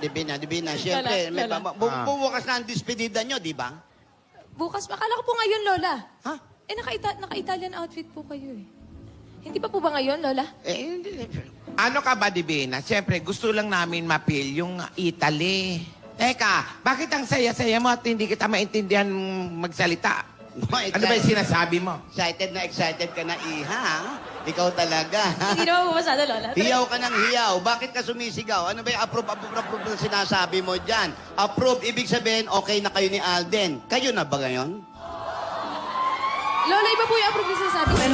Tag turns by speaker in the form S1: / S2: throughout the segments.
S1: Divina. Siyempre, bubukas na ang dispedida nyo, di ba?
S2: Bukas, akala ko po ngayon, Lola.
S1: Ha?
S2: Eh, naka-Italian outfit po kayo eh. Hindi pa po ba ngayon, Lola?
S1: Hindi.
S3: Ano ka ba, Divina? Siyempre, gusto lang namin mapil yung Italy. Teka, bakit ang saya-saya mo at hindi kita maintindihan magsalita? Ano ba yung sinasabi mo?
S1: Excited ka na, Iha. Ikaw talaga.
S2: Hindi naman po masyado, Lola.
S1: Hiyaw ka ng hiyaw. Bakit ka sumisigaw? Ano ba yung approve na sinasabi mo dyan? Approve, ibig sabihin, okay na kayo ni Alden. Kayo na ba ngayon?
S2: Lola, iba po yung approve na sinasabi ko.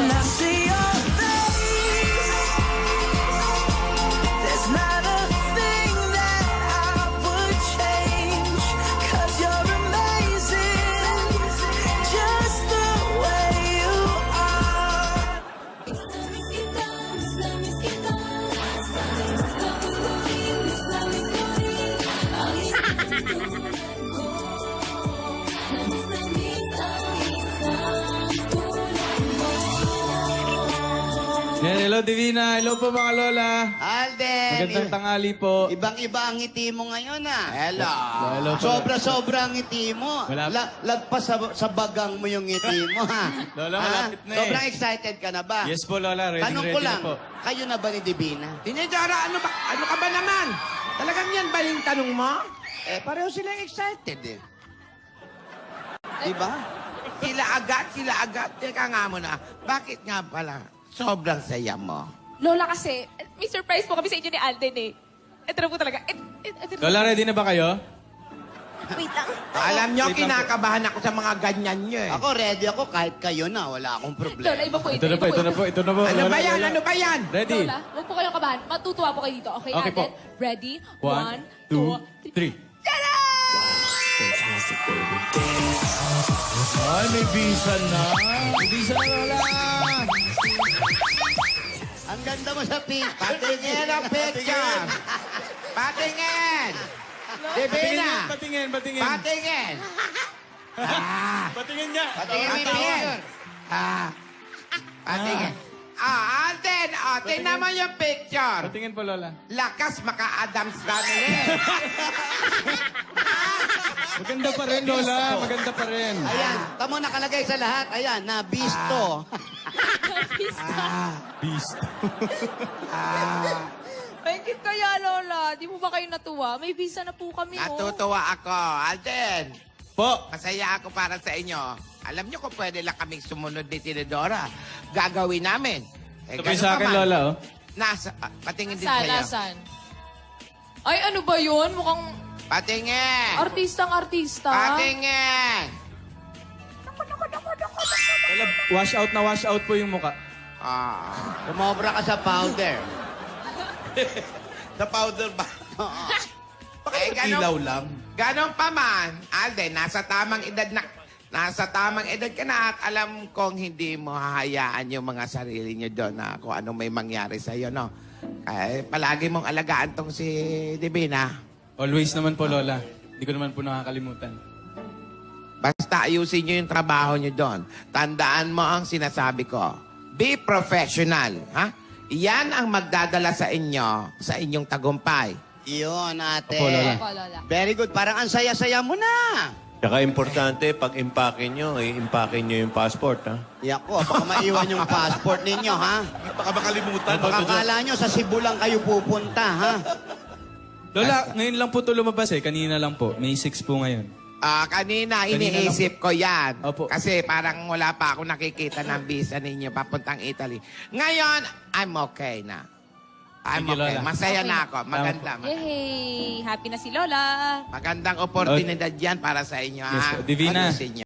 S4: Yan, hello Divina. Hello po mga lola.
S1: Alden!
S4: Magandang tanghali po.
S1: Ibang-iba ang ngiti mo ngayon, ah.
S3: Hello.
S4: Hello po.
S1: Sobra-sobra ang ngiti mo.
S4: Wala-
S1: Lagpas sa bagang mo yung ngiti mo, ha?
S4: Lola,
S1: Ha?
S4: malapit na eh.
S1: Sobrang excited ka na ba?
S4: Yes po lola. Ready,
S1: Tanong
S4: ready
S1: ko lang,
S4: na po.
S1: kayo na ba ni Divina?
S3: Tinidora, ano ka ba naman? Talagang yan ba yung tanong mo?
S1: Pareho sila excited, eh. Diba?
S3: Sila agad. Teka nga muna, bakit nga pala sobrang saya mo?
S2: Lola kasi, may surprise po kami sa inyo ni Alden eh. Ito na po talaga.
S4: Lola, ready na ba kayo?
S2: Wait lang.
S3: Alam nyo,
S4: Wait lang po.
S3: kinakabahan ako sa mga ganyan nyo eh.
S1: Ako, ready ako kahit kayo na. Wala akong problema.
S2: Lola, iba po
S4: Ito na po.
S3: Ano
S4: Lola,
S3: ba yan?
S4: Lola.
S3: Ano ba yan?
S4: Ready?
S2: Lola, huwag po kayong kabahan. Matutuwa po kayo dito. Okay,
S4: Okay po.
S2: Alden? Ready?
S4: 1, 2, 3. Ay, may visa na. May visa na, Lola.
S1: Ang ganda mo sa picture.
S3: Patingin ang picture. Patingin. Divina.
S4: Patingin.
S3: Patingin.
S4: Patingin niya.
S1: Patingin mo yung
S3: Patingin.
S1: picture.
S3: Patingin. Alden, tingnan mo yung picture.
S4: Patingin po, Lola.
S3: Lakas maka-Adams Family.
S4: Maganda pa rin, Lola. Maganda pa rin.
S1: Ayan, tamo nakalagay sa lahat. Ayan, na bisto.
S4: Beast.
S2: Bakit kaya, Lola? Di mo ba kayo natuwa? May visa na po kami, oh.
S3: Natutuwa ako. Alden,
S4: Po.
S3: masaya ako para sa inyo. Alam niyo kung pwede lang kaming sumunod ni Tinidora. Gagawin namin.
S4: Sabay
S3: ganun
S4: sa
S3: pa
S4: akin,
S3: man.
S4: Lola, oh.
S3: Patingin din
S2: Saan,
S3: sa'yo.
S2: saan? Ay, ano ba yun? Mukhang
S3: Patingin.
S2: artistang-artista.
S3: Patingin.
S4: Lola, wash out po yung muka.
S1: Kumobra ka sa powder.
S3: Sa powder ba?
S4: Bakit ilaw lang?
S3: Ganon pa man, Alden, nasa tamang edad ka na at alam kong hindi mo hahayaan yung mga sarili nyo doon na kung anong may mangyari sa'yo, no? Palagi mong alagaan tong si Divina.
S4: Always naman po, Lola. Hindi ko naman po nakakalimutan.
S3: Basta ayusin nyo yung trabaho nyo doon. Tandaan mo ang sinasabi ko. Be professional, ha? Yan ang magdadala sa inyo, sa inyong tagumpay.
S1: Iyon, ate.
S4: Opo, Lola.
S2: Opo, Lola.
S1: Very good. Parang ang saya-saya mo na.
S5: Tsaka importante, pag impake nyo, impake nyo yung passport, ha?
S1: Yako, baka maiwan yung passport ninyo, ha?
S5: Baka makalimutan.
S1: Baka kala nyo sa Cebu lang kayo pupunta, ha?
S4: Lola, ngayon lang po ito lumabas eh. Kanina lang po. May 6 po ngayon.
S3: Kanina
S4: Kanina
S3: iniisip ko yan.
S4: Opo.
S3: Kasi parang wala pa ako nakikita ng visa ninyo papuntang Italy. Ngayon, I'm okay na. I'm
S4: Thank you,
S3: okay.
S4: Lola.
S3: Masaya
S2: Okay.
S3: na ako. Maganda.
S2: Yay! Happy na si Lola.
S3: Magandang oportunidad yan para sa inyo.
S4: Yes
S3: ha?
S4: po. Divina.
S3: Ayusin nyo.